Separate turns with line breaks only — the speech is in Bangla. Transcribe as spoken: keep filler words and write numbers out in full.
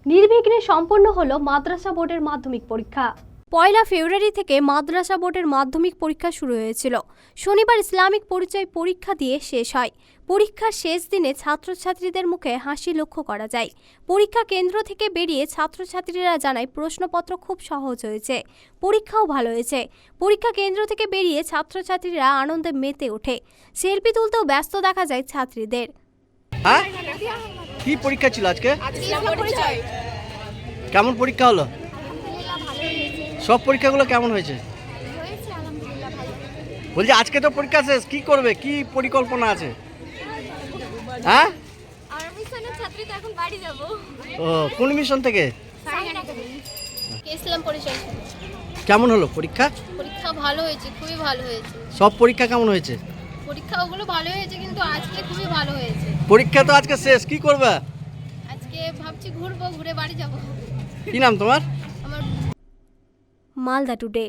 নির্বিঘ্নে সম্পন্ন হলো মাদ্রাসা বোর্ডের মাধ্যমিক পরীক্ষা। পয়লা ফেব্রুয়ারি থেকে মাদ্রাসা বোর্ডের মাধ্যমিক পরীক্ষা শুরু হয়েছিল। শনিবার ইসলামিক পরিচয় পরীক্ষা দিয়ে শেষ হয়। পরীক্ষার শেষ দিনে ছাত্রছাত্রীদের মুখে হাসি লক্ষ্য করা যায়। পরীক্ষা কেন্দ্র থেকে বেরিয়ে ছাত্রছাত্রীরা জানায় প্রশ্নপত্র খুব সহজ হয়েছে, পরীক্ষাও ভালো হয়েছে। পরীক্ষা কেন্দ্র থেকে বেরিয়ে ছাত্রছাত্রীরা আনন্দে মেতে ওঠে। সেলফি তুলতেও ব্যস্ত দেখা যায় ছাত্রীদের।
হ্যাঁ, কি পরীক্ষা ছিল আজকে? কেমন পরীক্ষা হলো? সব পরীক্ষাগুলো কেমন হয়েছে? বলছি আজকে তো পরীক্ষা শেষ, কি করবে, কি পরিকল্পনা আছে? হ্যাঁ, ও কোন মিশন থেকে?
ইসলাম পরিচয়।
কেমন হলো পরীক্ষা?
পরীক্ষা ভালো হয়েছে, খুবই ভালো হয়েছে।
সব পরীক্ষা কেমন হয়েছে?
পরীক্ষা ওগুলো ভালো হয়েছে, কিন্তু আজকে খুবই ভালো হয়েছে।
পরীক্ষা তো আজকে শেষ, কি করবে?
আজকে ভাবছি ঘুরবো, ঘুরে বাড়ি যাব।
কি নাম তোমার?
আমার
মালদা টুডে।